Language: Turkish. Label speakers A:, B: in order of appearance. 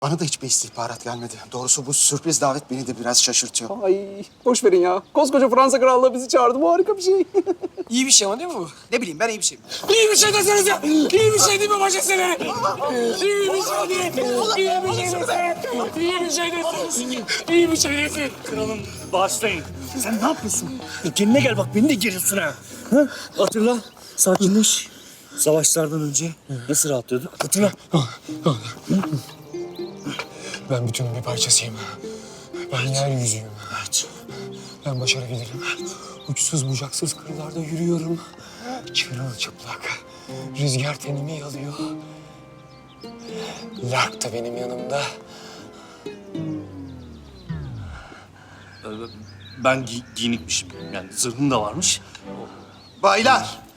A: Bana da hiçbir istihbarat gelmedi. Doğrusu bu sürpriz davet beni de biraz şaşırtıyor.
B: Ay boş verin ya. Koskoca Fransa Krallığı bizi çağırdı. Bu harika bir şey.
C: İyi bir şey ama değil mi bu?
A: Ne bileyim ben iyi bir şey.
C: İyi bir şey desenize. İyi bir şey değil mi bacasını? İyi bir şey değil. İyi bir şey desene. İyi bir şey desin. İyi bir şey desin.
D: Kralım bağışlayın. Sen ne yapıyorsun? Kendine gel bak beni de gerilsin ha. Ha? Hatırla. Sakinleş. Savaşlardan önce nasıl rahatlıyorduk? Hatırla.
C: Ben bütünün bir parçasıyım. Ben yeryüzüyüm. Evet. Ben başarabilirim. Uçsuz bucaksız kırlarda yürüyorum. Çırılçıplak. Rüzgar tenimi yalıyor. Lark da benim yanımda.
D: Ben giyinikmişim. Yani zırhım da varmış.
A: Baylar,